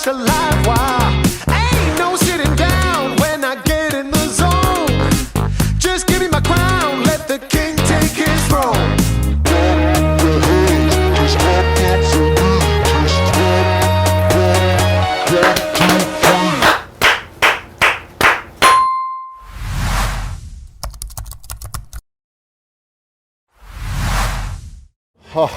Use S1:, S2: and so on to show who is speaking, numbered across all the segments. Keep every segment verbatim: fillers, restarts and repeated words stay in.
S1: such a live wire. Ain't no sitting down when I get in the zone. Just give me my crown, let the king take his throne.
S2: 하,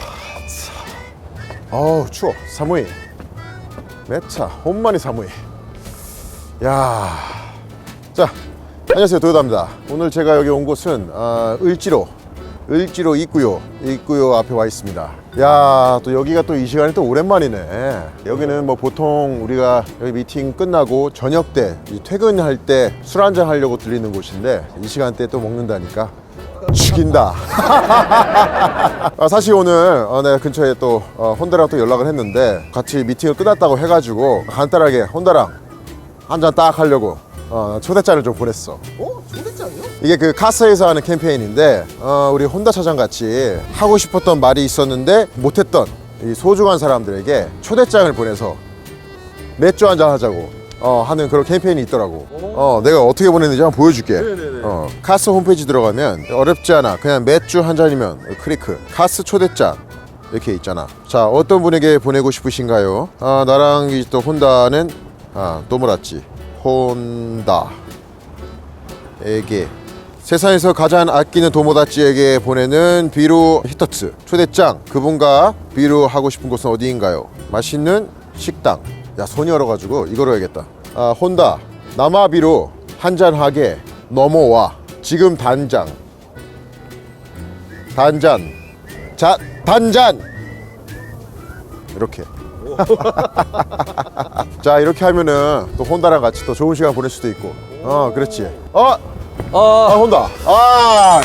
S2: 어우 추워. 사무이 매차 혼만이 사무이. 야, 자 안녕하세요, 도요다입니다. 오늘 제가 여기 온 곳은 어, 을지로 을지로 입구요 입구요 앞에 와 있습니다. 야, 또 여기가 또 이 시간이 또 오랜만이네. 여기는 뭐 보통 우리가 여기 미팅 끝나고 저녁 때 퇴근할 때 술 한잔 하려고 들리는 곳인데 이 시간대에 또 먹는다니까 죽인다. 아, 사실 오늘 어, 내가 근처에 또 어, 혼다랑 또 연락을 했는데 같이 미팅을 끝났다고 해가지고 간단하게 혼다랑 한잔 딱 하려고 어, 초대장을 좀 보냈어.
S3: 어? 초대장이요?
S2: 이게 그 카스에서 하는 캠페인인데 어, 우리 혼다 차장 같이 하고 싶었던 말이 있었는데 못했던 이 소중한 사람들에게 초대장을 보내서 맥주 한잔 하자고 어, 하는 그런 캠페인이 있더라고. 어, 내가 어떻게 보냈는지 한번 보여줄게.
S3: 네네네.
S2: 어, 카스 홈페이지 들어가면 어렵지 않아. 그냥 맥주 한 잔이면 클리크. 카스 초대장 이렇게 있잖아. 자, 어떤 분에게 보내고 싶으신가요? 아, 나랑 이 또 혼다는 아, 또모라찌 혼다에게 세상에서 가장 아끼는 도모다치에게 보내는 비루 히터츠 초대장. 그분과 비루 하고 싶은 곳은 어디인가요? 맛있는 식당. 야, 손이 얼어가지고 이거로 해야겠다. 아, 혼다 남아비로 한잔하게 넘어와. 지금 단장. 단잔. 자, 단잔. 이렇게. 자, 이렇게 하면은 또 혼다랑 같이 또 좋은 시간 보낼 수도 있고. 어, 그렇지. 어, 아, 혼다. 아,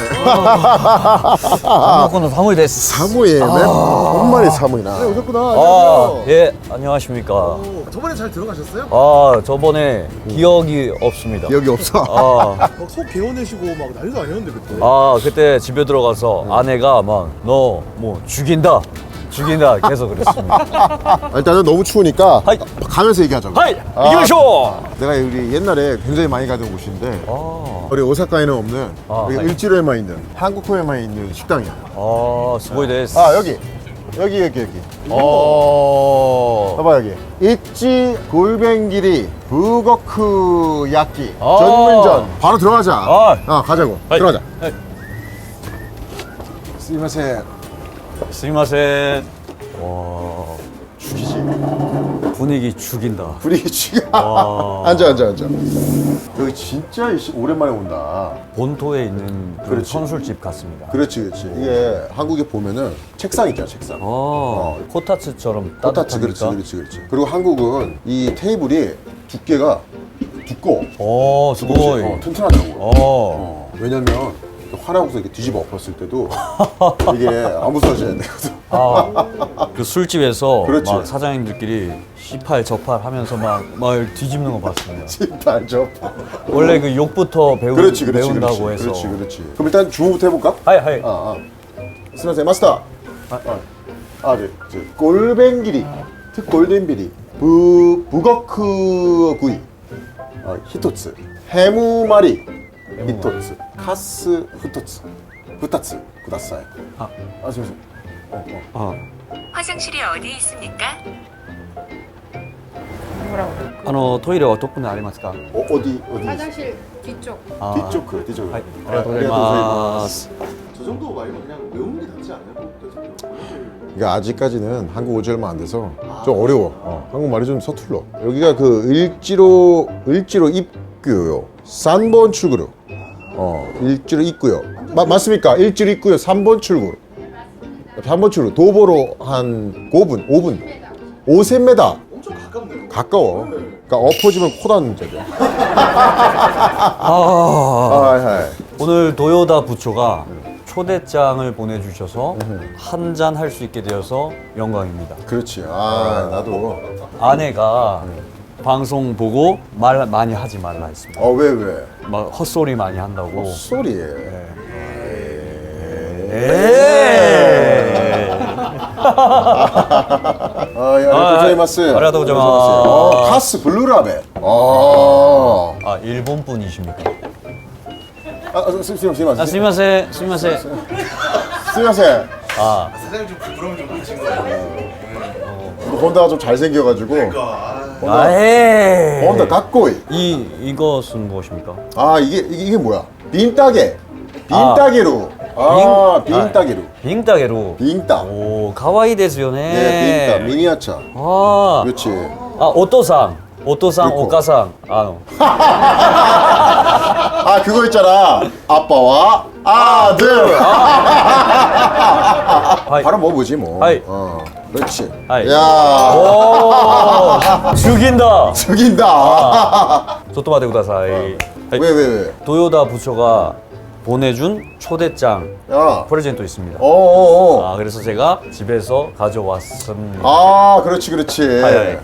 S4: 먹고는 사무이 됐어.
S2: 사무이. 맨 혼만이 사무이나.
S3: 네, 오셨구나.
S4: 아,
S3: 안녕하세요.
S4: 예, 안녕하십니까.
S3: 오, 저번에 잘 들어가셨어요?
S4: 아, 저번에 기억이 없습니다.
S2: 기억이 없어.
S4: 아,
S3: 막 속 개워내시고 막 난리도 아니었는데 그때.
S4: 아, 그때 집에 들어가서 아내가 막 너 뭐 죽인다, 죽인다 계속 그랬습니다.
S2: 일단은 너무 추우니까
S4: 하이.
S2: 가면서 얘기하자고.
S4: 하이,
S2: 아.
S4: 이기마쇼.
S2: 내가 우리 옛날에 굉장히 많이 가던 곳인데
S4: 아,
S2: 우리 오사카에는 없는
S4: 아,
S2: 여기
S4: 하이.
S2: 을지로에만 있는 한국호에만 있는 식당이야.
S4: 아, 스고이 데스.
S2: 아, 여기 여기 여기 여기.
S4: 어,
S2: 봐봐, 여기 있지 골뱅기리 부거크 야끼
S4: 아.
S2: 전문점. 바로 들어가자.
S4: 아.
S2: 아, 가자고.
S4: 하이.
S2: 들어가자.
S4: 하이.
S2: 스미마셍.
S4: 스미마셍. 와,
S2: 죽이지.
S4: 분위기 죽인다.
S2: 분위기 죽여.
S4: 와.
S2: 앉아 앉아 앉아. 여기 진짜 이씨 오랜만에 온다.
S4: 본토에 있는 그
S2: 그렇지.
S4: 선술집 같습니다.
S2: 그렇지 그렇지. 이게 한국에 보면은 책상 있잖아, 책상.
S4: 어, 코타츠처럼
S2: 코타츠.
S4: 따뜻하니까.
S2: 그렇지 그렇지 그렇지. 그리고 한국은 이 테이블이 두께가 두꺼워.
S4: 오, 스고이.
S2: 어, 튼튼하다고.
S4: 어.
S2: 어, 왜냐면 화나고서 이렇게 뒤집어 엎었을 때도 이게 안 부서져야 되거든.
S4: 아, 그 술집에서
S2: 그렇지.
S4: 막 사장님들끼리 시팔 저팔 하면서 막, 막 뒤집는 거 봤습니다.
S2: 진짜 저.
S4: 원래 그 욕부터 배우,
S2: 그렇지 그렇지
S4: 배운다고
S2: 그렇지.
S4: 해서.
S2: 그렇지 그렇지. 그럼 일단 주문부터 해볼까?
S4: 하이, 하이.
S2: 아, 아. 스미마셍 마스터. 아, 아, 아, 네, 저 골뱅기리, 특 골덴비리, 부 부거크 구이, 어, 히토츠, 해무마리, 히토츠, 카스 후토츠, 후타츠, 구다사이.
S4: 아.
S2: 아, 잠시만. 어, 어.
S4: 아,
S5: 화장실이 어디 있습니까?
S4: あのトイレはどこにありますか?
S2: 어, 어디 어디?
S6: 화장실 뒤쪽.
S4: 아,
S2: 뒤쪽 뒤쪽.
S4: 하이, 아리가토고자이마스.
S3: 저 정도 말고 그냥 외우는 게 낫지 않아요?
S2: 그러니까 아직까지는 한국 오지 얼마 안 돼서 좀 어려워. 어, 한국말이 좀 서툴러. 여기가 그 을지로 을지로 입구요. 삼 번 출구로. 어, 일지로 입구요. 마, 맞습니까? 일지로 입구요. 삼 번 출구. 삼 번 출구. 도보로 한 오 분, 오 분. 오천 미터.
S3: 엄청 가깝네요.
S2: 가까워. 그러니까 엎어지면 코 닿는 자리야.
S4: 아,
S2: 아, 하이.
S4: 오늘 도요다 부초가 초대장을 보내주셔서 한 잔 할 수 있게 되어서 영광입니다.
S2: 그렇지. 아, 나도.
S4: 아내가 방송 보고 말 많이 하지 말라 했습니다.
S2: 어, 왜, 왜?
S4: 막 헛소리 많이 한다고.
S2: 소리.
S4: 에이.
S2: 아, 야,
S4: 아,
S2: 고자이마스.
S4: 아리가또 고자이마스.
S2: 어, 카스 블루라벨. 어.
S4: 아 일본 분이십니까?
S2: 아, 스, 스, 스미마세.
S4: 아 스미마세 스미마세.
S2: 스미마세.
S4: 아
S3: 사장님 좀 부끄러움 좀 하신 거예요.
S2: 혼다가 좀 잘생겨가지고.
S4: 아해.
S2: 혼다 가꼬이.
S4: 이 이것은 무엇입니까?
S2: 아 이게 이게, 이게 뭐야? 빈따게. 빈따게루. 아, 빈따게루.
S4: 빙따게로.
S2: 빈따.
S4: 오 가와이 데스요네.
S2: 네, 빈따 미니아차.
S4: 아,
S2: 그렇지.
S4: 아 오토상, 오토상,
S2: 그리고.
S4: 오카상. 아,
S2: 아 그거 있잖아. 아빠와 아들.
S4: 하이.
S2: 바로 먹어보지 뭐.
S4: 하이.
S2: 어, 그렇지.
S4: 하이.
S2: 야,
S4: 오, 죽인다.
S2: 죽인다.
S4: 소토마테 구다사이.
S2: 왜 왜 왜?
S4: 도요다 부처가 보내준 초대장
S2: 야.
S4: 프레젠토 있습니다.
S2: 어어어.
S4: 아 그래서 제가 집에서 가져왔습니다.
S2: 아, 그렇지 그렇지.
S4: 하이, 하이.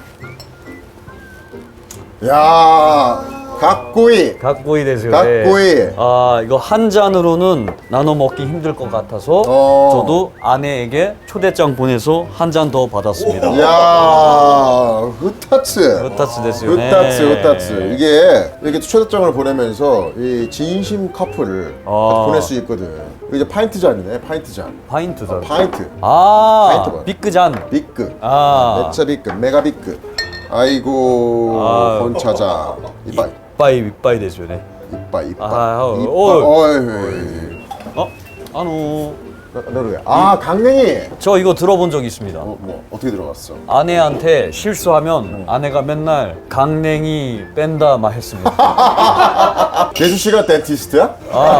S2: 야, 각고이.
S4: 갖고이 되세요.
S2: 갖고이.
S4: 아 이거 한 잔으로는 나눠 먹기 힘들 것 같아서
S2: 어.
S4: 저도 아내에게 초대장 보내서 한 잔 더 받았습니다.
S2: 야, 흐타츠.
S4: 흐타츠 데스요.
S2: 흐타츠, 흐타츠. 이게 이렇게 초대장을 보내면서 이 진심 커플을
S4: 아.
S2: 보낼 수 있거든. 이거 이제 파인트 잔이네, 파인트 잔.
S4: 파인트 잔.
S2: 파인트.
S4: 아
S2: 파인트 봐.
S4: 비크 잔.
S2: 비크.
S4: 아.
S2: 메차 비크, 메가 비크. 아이고,
S4: 아.
S2: 혼차자. 이빠이.
S4: 이빠이 이빠이 되죠, 네.
S2: 이빠이, 이빠이.
S4: 아, 어,
S2: 이빠이.
S4: 어.
S2: 어이.
S4: 어? 아노
S2: 너를 아, 강냉이.
S4: 저 이거 들어본 적 있습니다.
S2: 어, 뭐 어떻게 들어갔어?
S4: 아내한테 실수하면 아내가 맨날 강냉이 뺀다 막 했습니다.
S2: 재수 씨가 덴티스트야?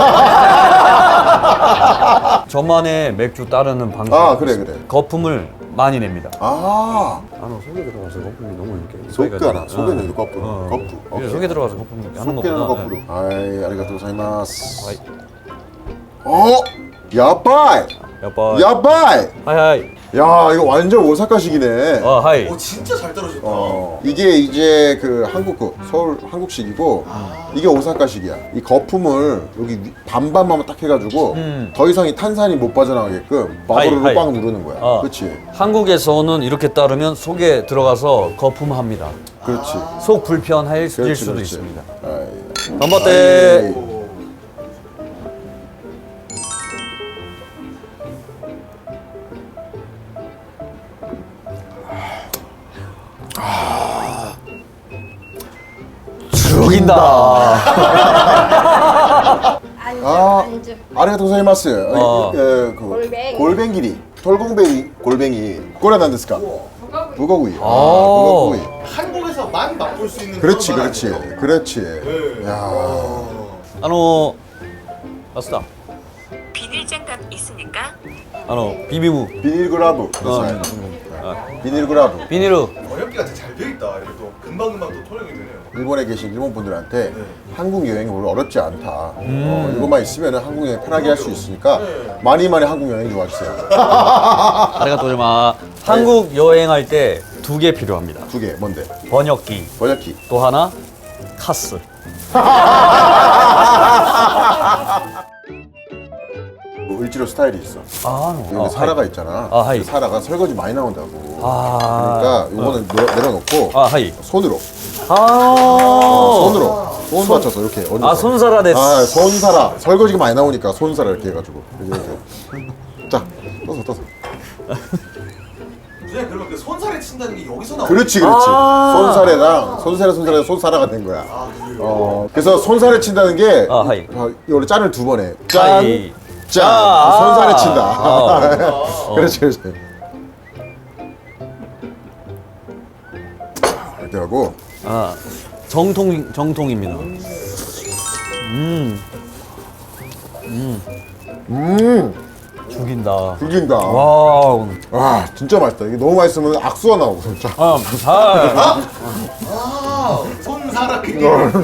S4: 저만의 맥주 따르는 방식.
S2: 아, 그래, 그래.
S4: 거품을 많이 냅니다.
S2: 아,
S4: 아노 속에 들어가서 거품이 너무 이렇게
S2: 속가나,
S4: 어.
S2: 속에는 이거 거품,
S4: 어.
S2: 거품.
S4: 그래, 속에 들어가서 거품 하는
S2: 속에는
S4: 것보다.
S2: 거꾸로. 아이, 아리가또 고자이마스.
S4: 하이.
S2: 어, 야바이,
S4: 야빠.
S2: 야바이.
S4: 하이 하이.
S2: 야, 이거 완전 오사카식이네.
S4: 어 하이.
S3: 오 진짜 잘 떨어졌다.
S2: 어, 이게 이제 그 한국 그 서울 한국식이고 이게 오사카식이야. 이 거품을 여기 위- 반반만 딱 해가지고
S4: 음.
S2: 더 이상 이 탄산이 못 빠져나가게끔 마블로
S4: 하이, 하이.
S2: 꽉 누르는 거야.
S4: 어.
S2: 그렇지,
S4: 한국에서는 이렇게 따르면 속에 들어가서 거품합니다.
S2: 그렇지.
S4: 속 불편할
S2: 그렇지,
S4: 수도
S2: 그렇지.
S4: 있습니다.
S2: 아이.
S4: 간바떼.
S2: 아이.
S4: 죽인다.
S6: 안주
S2: 아.
S6: 안주
S2: 아리가토 고자이마스.
S4: 어.
S2: 예, 그
S6: 골뱅이.
S2: 골뱅이리, 털공뱅이, 골뱅이. 꼬레 난데스까? 북어구이. 아,
S4: 오.
S2: 북어구이.
S3: 한국에서만 맛볼 수 있는
S2: 그렇지,
S3: 그런
S2: 그렇지,
S3: 맛 아니에요?
S2: 그렇지.
S3: 네.
S2: 야,
S4: 아노 아스다.
S5: 비닐장갑 있습니까?
S4: 아노 비비무.
S2: 비닐그라브.
S4: 어.
S2: 그래서 비닐그라브.
S4: 비닐로.
S3: 번역기가 되게 잘 돼 있다. 이렇게 또 금방 금방 또 통역이 되네요.
S2: 일본에 계신 일본 분들한테
S3: 네.
S2: 한국 여행이 별로 어렵지 않다.
S4: 음.
S2: 어, 이것만 있으면 한국 여행 편하게 할 수 있으니까
S3: 네.
S2: 많이 많이 한국 여행 좋아하세요.
S4: 아리가또 고자이마. 한국 여행할 때 두 개 필요합니다.
S2: 두 개, 뭔데?
S4: 번역기.
S2: 번역기.
S4: 또 하나 카스.
S2: 뭐 을지로 스타일이 있어.
S4: 아,
S2: 여기
S4: 어,
S2: 사라가 있잖아.
S4: 아, 하이.
S2: 그 사라가 설거지 많이 나온다고.
S4: 아.
S2: 그러니까 요거는 내려- 내려놓고
S4: 아, 하이.
S2: 손으로.
S4: 아.
S2: 손으로. 손 맞춰서 이렇게 얹어서.
S4: 아, 손사라 데스.
S2: 아, 손사라. 설거지가 많이 나오니까 손사라 이렇게 해가지고. 이렇게, 이렇게. 자, 떠서 떠서.
S3: 선생님 그러면 그 손살에 친다는 게 여기서 나오는
S2: 그렇지, 그렇지.
S4: 아.
S2: 손살에랑 손살에 손살에 손사라가 된 거야. 어, 그래서 손살에 친다는 게
S4: 아, 하이.
S2: 어, 이거를 짠을 두 번 해. 짠,
S4: 하이.
S2: 짠.
S4: 아.
S2: 손살에 친다.
S4: 아.
S2: 그렇지, 그렇지. 이렇게 하고
S4: 아, 정통 정통입니다.
S2: 음,
S4: 죽인다.
S2: 죽인다.
S4: 와.
S2: 와, 진짜 맛있다. 이게 너무 맛있으면 악수가 나오고 진짜.
S4: 아, 아.
S3: 아, 손사라 그게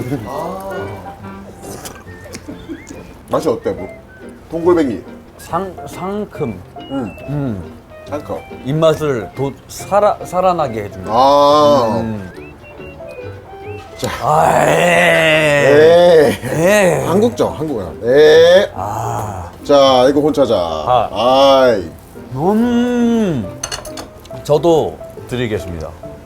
S2: 맛이 어때, 뭐? 동골뱅이.
S4: 상 상큼.
S2: 음,
S4: 음.
S2: 잠깐.
S4: 입맛을 도 살아 살아나게 해줍니다.
S2: 아,
S4: 음.
S2: 자,
S4: 아, 에이.
S2: 에이.
S4: 에이.
S2: 한국적, 한국어. 에.
S4: 아.
S2: 자, 이거 혼차자.
S4: 아.
S2: 아이.
S4: 음. 저도 드리겠습니다.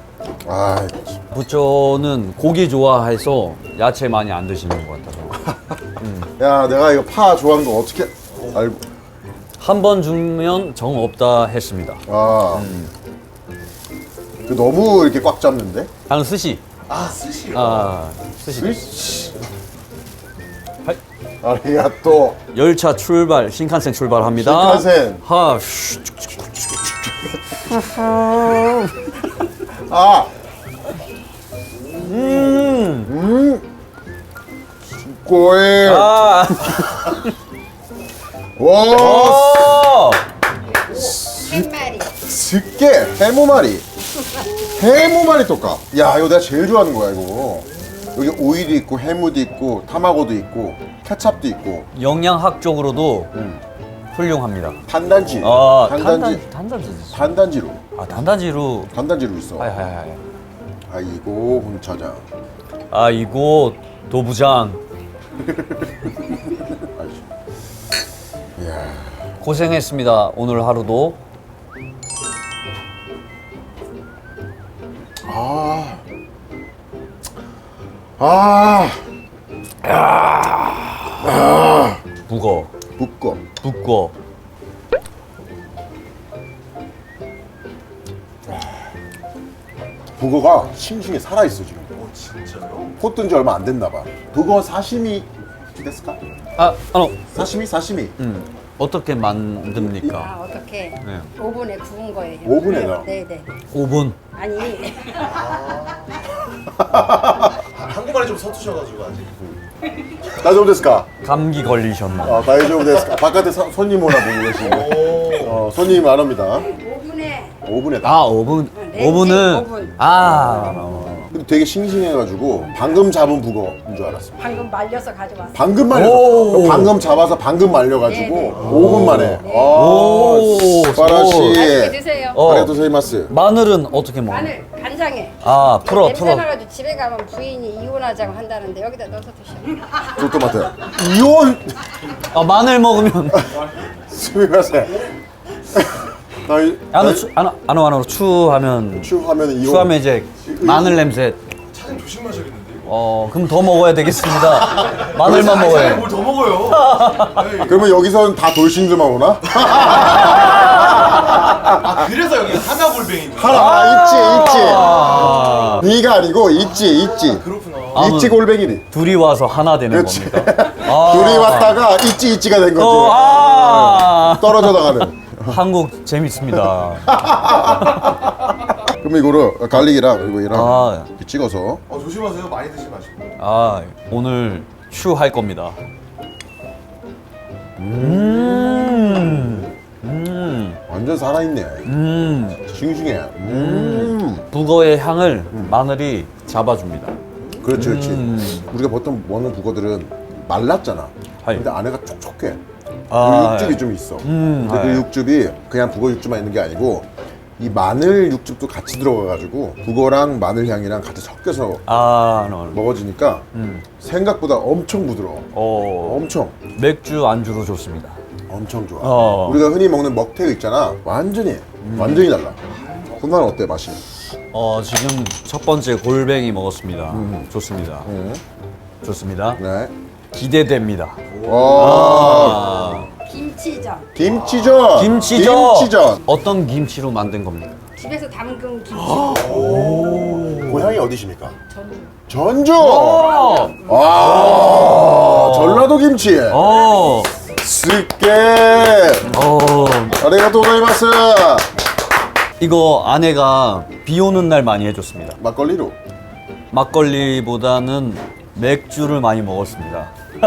S2: 아,
S4: 부초는 고기 좋아해서 야채 많이 안 드시는 것 같아서.
S2: 야, 내가 이거 파 좋아하는 거 어떻게 알고?
S4: 한 번 주면 정 없다 했습니다.
S2: 아, 그 너무 이렇게 꽉 잡는데?
S4: 한 스시.
S3: 아 스시.
S4: 아, 스시.
S2: 으이씨.
S4: 하이.
S2: 아리가또.
S4: 열차 출발, 신칸센 출발합니다.
S2: 신칸센.
S4: 하, 슈,
S2: 아,
S4: 음.
S2: 꼬에.
S4: 아,
S2: 와,
S4: 어.
S6: 햇말이
S2: 스게 해무마리. 해무마리 똑까. 야, 이거 내가 제일 좋아하는 거야 이거. 여기 오일이 있고 해무도 있고 타마고도 있고 케찹도 있고
S4: 영양학적으로도
S2: 음.
S4: 훌륭합니다.
S2: 단단지.
S4: 아,
S2: 단단지.
S4: 단단, 단단지.
S2: 단단지로.
S4: 아, 단단지로.
S2: 단단지로 있어.
S4: 하이, 하이, 하이.
S2: 아이고 홍차장.
S4: 아, 이거 도부장.
S2: 아이씨. 이야.
S4: 고생했습니다. 오늘 하루도.
S2: 아. 아.
S4: 북어.
S2: 묶어.
S4: 북거.
S2: 북어가 싱싱해 살아있어 지금.
S3: 오 진짜요?
S2: 포 뜬 지 얼마 안 됐나 봐. 북어 사시미 됐을까?
S4: 아, 아,
S2: 사시미 사시미.
S4: 음. 어떻게 만듭니까?
S6: 아 어떻게
S4: 네.
S6: 오븐에 구운 거예요.
S2: 오븐에 넣어?
S6: 네네.
S4: 오 분.
S6: 아니
S3: 아, 한국말이 좀 서투셔가지고 아직.
S2: 다이조부 데스까?
S4: 감기 걸리셨나?
S2: 아, 다이조부 데스까? 바깥에 사- 손님 오나 보고 계시는데.
S3: 오.
S2: 어, 손님 안 옵니다.
S6: 오븐에
S2: 오븐에.
S4: 아, 오 분.
S6: 렌즈
S4: 오 분은
S6: 오븐.
S4: 아.
S2: 근데 되게 싱싱해가지고 방금 잡은 북어인 줄 알았어.
S6: 방금 말려서 가져왔어요.
S2: 방금 말려서
S4: 오.
S2: 방금 잡아서 방금 말려가지고
S6: 네, 네.
S2: 오 분 만에.
S6: 네.
S2: 아,
S4: 오.
S2: 스파라시.
S6: 맛있게 드세요.
S4: 어.
S2: 아리가토 세이마스.
S4: 마늘은 어떻게 먹어?
S6: 마늘 간장에.
S4: 아, 풀어,
S6: 냄새
S4: 풀어.
S6: 나가지고 집에 가면 부인이 이혼하자고 한다는데 여기다 넣어서 드셔.
S2: 조토마토. 이온.
S4: 아, 마늘 먹으면
S2: 스미마세. 나이
S4: 안으로 추, 안으로 안으로 안으로 추하면
S2: 추하면 이온.
S4: 추하면 이제 마늘 냄새.
S3: 차장 조심하셔야겠는데 이거.
S4: 어, 그럼 더 먹어야 되겠습니다. 마늘만 먹어요.
S3: 뭘더 먹어요? 에이.
S2: 그러면 여기서는 다 돌싱들만 오나?
S3: 아 그래서 여기 하나 골뱅이.
S2: 하나 아, 있지
S4: 아,
S2: 있지. 네가 아니고 있지 있지.
S3: 그렇구나.
S4: 아,
S2: 있지 골뱅이리.
S4: 둘이 와서 하나 되는
S2: 그렇지.
S4: 겁니다. 아.
S2: 둘이 왔다가 있지 있지가 된 거지.
S4: 어, 아.
S2: 떨어져 나가는.
S4: 한국 재밌습니다.
S2: 그러면 이거를 갈릭이랑 그리고 이랑
S4: 아,
S2: 이렇게 찍어서
S3: 어 조심하세요. 많이 드시지 마시고.
S4: 아, 오늘 추할 겁니다. 음, 음,
S2: 완전 살아있네.
S4: 음.
S2: 싱싱해. 음.
S4: 북어의 향을 마늘이 잡아줍니다.
S2: 그렇지 그렇지.
S4: 음.
S2: 우리가 보통 먹는 북어들은 말랐잖아.
S4: 하이.
S2: 근데 안에가 촉촉해.
S4: 아,
S2: 그 육즙이 좀 있어.
S4: 음,
S2: 근데 그
S4: 하이.
S2: 육즙이 그냥 북어 육즙만 있는 게 아니고 이 마늘 육즙도 같이 들어가가지고 북어랑 마늘 향이랑 같이 섞여서
S4: 아, no.
S2: 먹어지니까
S4: 음.
S2: 생각보다 엄청 부드러워.
S4: 어,
S2: 엄청
S4: 맥주 안주로 좋습니다.
S2: 엄청 좋아.
S4: 어.
S2: 우리가 흔히 먹는 먹태 있잖아. 완전히 완전히 달라. 혼나는 어때 맛이?
S4: 어, 지금 첫 번째 골뱅이 먹었습니다. 좋습니다.
S2: 음.
S4: 좋습니다.
S2: 네.
S4: 기대됩니다.
S2: 와.
S4: 아,
S6: 김치전.
S2: 김치전.
S4: 김치전.
S2: 김치전.
S4: 어떤 김치로 만든 겁니까?
S6: 집에서 담근 김치.
S2: 고향이 어디십니까?
S6: 전주.
S2: 전주.
S4: 어,
S2: 아. 전라도 김치.
S4: 어,
S2: 스게.
S4: 어.
S2: 아리가토 고자이마스.
S4: 이거 아내가 비 오는 날 많이 해줬습니다.
S2: 막걸리로.
S4: 막걸리보다는 맥주를 많이 먹었습니다.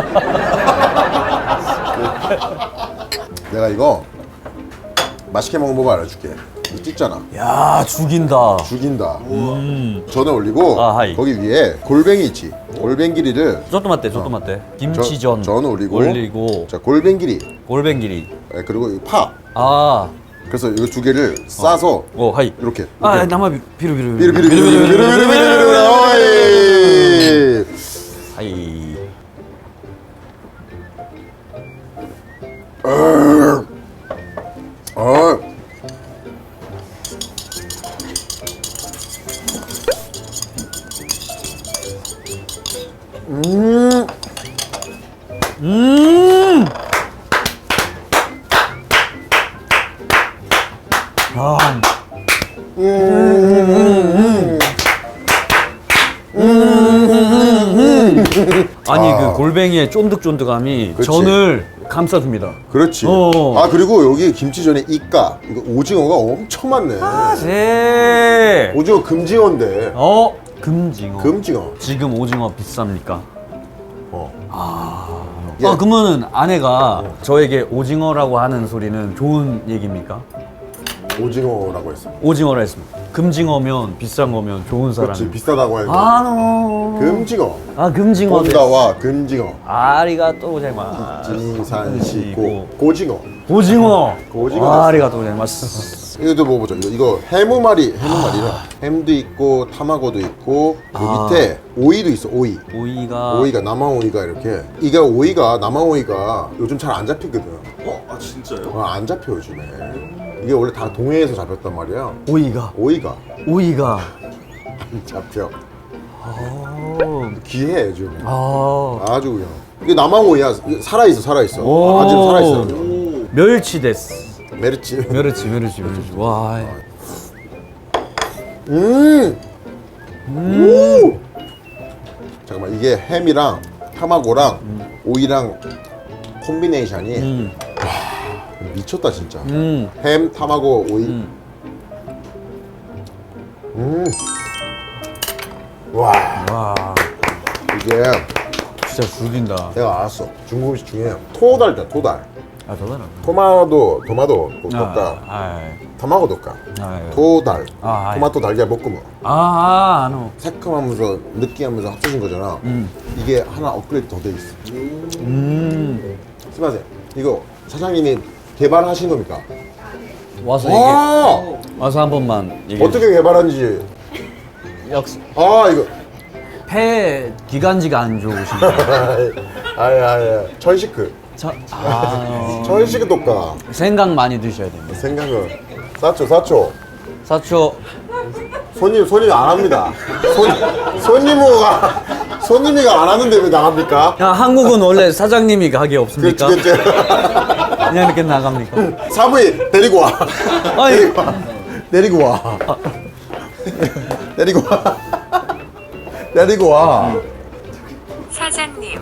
S2: 내가 이거 맛있게 먹는 법 알려줄게. 이거 찢잖아.
S4: 야, 죽인다.
S2: 죽인다. 전에 올리고
S4: 아, 하이.
S2: 거기 위에 골뱅이 있지. 골뱅기리를
S4: 조금 맞대, 조금 맞대. 김치전
S2: 전 올리고,
S4: 올리고
S2: 자 골뱅기리
S4: 골뱅기리.
S2: 예, 그리고 이 파.
S4: 아,
S2: 그래서 이거 두 개를 싸서
S4: 오, 하이.
S2: 이렇게.
S4: 아,
S2: 이렇게.
S4: 남아 비루 비루
S2: 비르 비르 비르 비르 비르 비르 비르 비르. 어이.
S4: 하이.
S2: 어.
S4: 아, 아니 그 골뱅이의 쫀득쫀득함이
S2: 그치.
S4: 전을 감싸줍니다.
S2: 그렇지.
S4: 어.
S2: 아 그리고 여기 김치전에 이까 이거 오징어가 엄청 많네.
S4: 네.
S2: 오징어 금징어인데.
S4: 어, 금징어.
S2: 금징어.
S4: 지금 오징어 비쌉니까?
S2: 어.
S4: 아,
S2: 예.
S4: 아 그러면은 아내가 저에게 오징어라고 하는 소리는 좋은 얘기입니까?
S2: 오징어라고 했어.
S4: 오징어라 했습니다. 금징어면 비싼 거면 좋은 사람.
S2: 그렇지 비싸다고 하니까.
S4: 아, 노.
S2: 금징어.
S4: 아, 금징어.
S2: 본다와 금징어.
S4: 아리가또 고자이마스.
S2: 진산시고 고징어.
S4: 오징어.
S2: 오징어.
S4: 아리가또 고자이마스.
S2: 이것도 먹어보자. 이거, 이거 해무말이 해무말이라. 햄도 있고 타마고도 있고 그
S4: 아.
S2: 밑에 오이도 있어. 오이.
S4: 오이가
S2: 오이가 남아 오이가 이렇게. 이게 오이가 남아 오이가 요즘 잘 안 잡히거든.
S3: 어? 아 진짜요?
S2: 어, 안 잡혀 요즘에. 이게 원래 다 동해에서 잡혔단 말이야.
S4: 오이가
S2: 오이가
S4: 오이가
S2: 안 잡혀.
S4: 어.
S2: 귀해 요즘에.
S4: 아.
S2: 아주 그냥. 이게 남아 오이야. 살아 있어, 살아 있어.
S4: 오.
S2: 아직 살아 있어.
S3: 오.
S4: 멸치 데스.
S2: 메르치.
S4: 멸치 멸치 멸치. 와.
S2: 음. 오. 잠깐만 이게 햄이랑 타마고랑 오이랑 콤비네이션이
S4: 음.
S2: 미쳤다 진짜.
S4: 음.
S2: 햄, 타마고, 오이.
S4: 음.
S2: 음. 와
S4: 와.
S2: 이게
S4: 진짜 죽인다.
S2: 내가 알았어. 중국 음식 중에 토달이다 토달.
S4: 아, 더다라.
S2: 토마토 토마토 도까
S4: 아.
S2: 타마고 도까
S4: 아.
S2: 토달
S4: 아, 아이.
S2: 토마토 달걀 볶음.
S4: 아, 아노.
S2: 새콤하면서 느끼하면서 합쳐진 거잖아.
S4: 음.
S2: 이게 하나 업그레이드 더 돼 있어.
S4: 음.
S2: 스마세 이거 사장님이 개발하신 겁니까?
S4: 와서 얘기.
S2: 와
S4: 와서 한 번만 얘기해.
S2: 어떻게 개발한지.
S4: 역시
S2: 아 이거
S4: 폐 기관지가 안 좋으신가?
S2: 아야야 천시크
S4: 저, 아,
S2: 천시크 독가
S4: 생각 많이 드셔야 됩니다.
S2: 생각은 사초 사초
S4: 사초.
S2: 손님 손님 안 합니다. 손 손님이가 손님이가 안 하는데 왜 나갑니까?
S4: 야, 한국은 원래 사장님이 가게 없습니까?
S2: 그렇지 그렇지.
S4: 그냥 이렇게 나갑니까?
S2: 사부인 데리고 와.
S4: 아니,
S2: 데리고 와. 데리고 와. 데리고 와. 데리고 와.
S5: 사장님,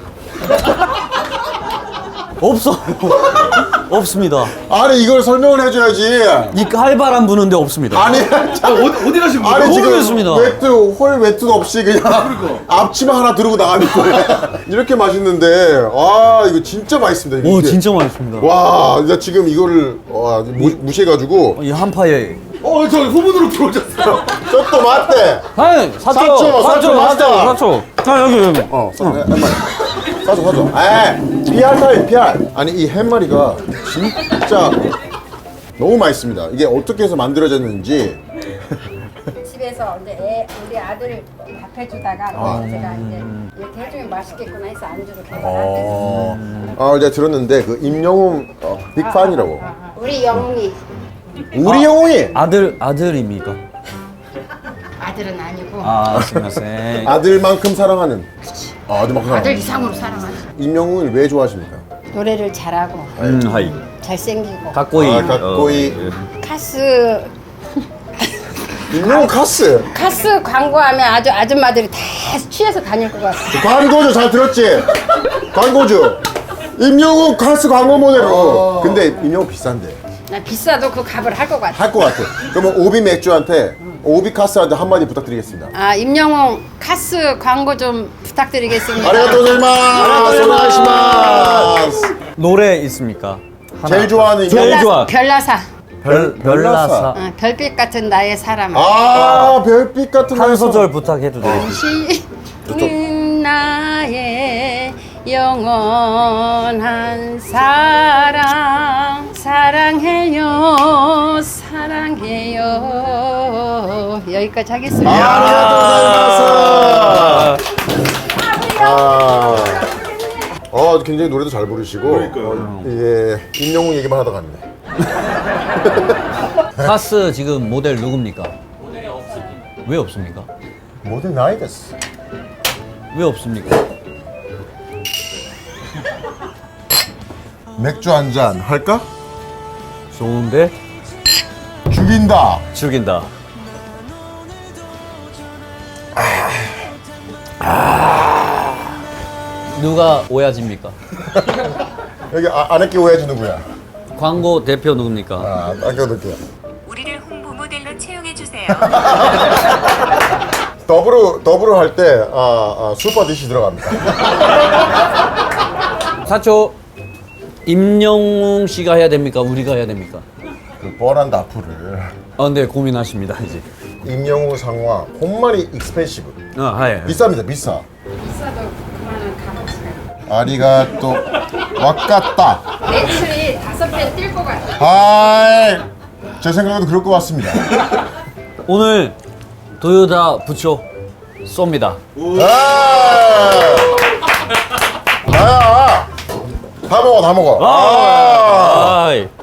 S4: 없어. 없습니다.
S2: 아니 이걸 설명을 해줘야지.
S4: 이 칼바람 부는데 없습니다.
S2: 아니
S3: 아
S2: 참.
S3: 어디 어디 가신 거예요?
S2: 아니 지금
S4: 모르겠습니다.
S2: 외투 홀 외투도 없이 그냥 앞치마 하나 두르고 나가는 거야. 이렇게 맛있는데 아 이거 진짜 맛있습니다.
S4: 오,
S2: 이게.
S4: 진짜 맛있습니다.
S2: 와, 나 지금 이거를 와, 무, 무시해가지고
S4: 이 한파에.
S3: 어, 저 후문으로 들어오셨어요.
S2: 저또 맞대.
S4: 아니, 사초,
S2: 사초, 사초,
S4: 사초,
S2: 맞다.
S4: 사초, 사초. 아, 여기, 여기.
S2: 어, 사, 한 마리. 사줘, 사줘. 에, 피알 타임, 피알. 아니 이 햄마리가 진짜 너무 맛있습니다. 이게 어떻게 해서 만들어졌는지.
S6: 집에서 이제 애, 우리 아들 밥 해주다가 제가 이제 이렇게 해주면 맛있겠구나 해서 안주로 개발한
S2: 어, 아, 이제 들었는데 그 임영웅 어, 빅판이라고.
S6: 우리 영웅이
S2: 우리 영웅이
S4: 아들, 아들입니까?
S6: 아들은 아니고
S4: 아, 스미마셍.
S2: 아들만큼 사랑하는. 아, 아들만큼
S6: 아들
S2: 사랑하는.
S6: 이상으로 사랑하지.
S2: 임영웅을 왜 좋아하십니까?
S6: 노래를 잘하고
S4: 음, 하이.
S6: 잘생기고
S4: 가꼬이.
S2: 아, 가꼬이.
S4: 어,
S6: 카스
S2: 임영웅 카스.
S6: 카스 광고하면 아주 아줌마들이 다 취해서 다닐 것 같아.
S2: 광고주 잘 들었지? 광고주. 임영웅 카스 광고 모델로. 근데 임영웅 비싼데.
S6: 나 비싸도 그 값을 할 것 같아.
S2: 할 것 같아. 그러면 오비 맥주한테 오비 카스한테 한마디 부탁드리겠습니다.
S6: 아 임영웅 카스 광고 좀 부탁드리겠습니다.
S2: 아리가또 고자이마스. 오네가시마스.
S4: 노래 있습니까? 하나.
S2: 제일 좋아하는
S4: 제일
S2: 임영웅.
S4: 좋아.
S6: 별나사.
S4: 별,
S2: 별나사.
S4: 별나사.
S6: 어, 별빛 같은 나의 사람.
S2: 아, 별빛 같은
S4: 한
S2: 날씨.
S4: 소절 부탁해도 돼요?
S6: 당신 나의 영원한 사랑 사랑해요 사랑해요 여기까지 하겠습니다.
S2: 아리가또 고자이마스. 아, 어, 굉장히 노래도 잘 부르시고.
S3: 그러니까요.
S2: 어, 예, 임영웅 얘기만 하다 갔네.
S4: 카스 지금 모델 누굽니까? 모델이 없습니다. 왜 없습니까?
S2: 모든 나이 됐어.
S4: 왜 없습니까?
S2: 맥주 한 잔 할까?
S4: 좋은데?
S2: 죽여. 죽인다.
S4: 죽인다. 누가 오야지입니까?
S2: 여기 아, 안에 게 오야지 누구야?
S4: 광고 대표 누굽니까?
S2: 아, 아껴둘게요.
S5: 우리를 홍보 모델로 채용해 주세요.
S2: 더블로 더블로 할 때 아, 아, 슈퍼 디시 들어갑니다.
S4: 사초 임영웅 씨가 해야 됩니까? 우리가 해야 됩니까?
S2: 그 뻔한 다프를
S4: 아, 네 고민하십니다 이제.
S2: 임영웅 상화 홈마니 익스펜시브
S4: 아, 하예.
S2: 비쌉니다 비싸.
S6: 비싸도 그만한 값어치가.
S2: 아리가또 와까따.
S6: 매출이 다섯 배 뛸 것 같아.
S2: 하이 제 생각에도 그럴 것 같습니다.
S4: 오늘 도요타 부초 쏩니다.
S2: 아 나야 다 먹어 다 먹어. 아
S4: 아이.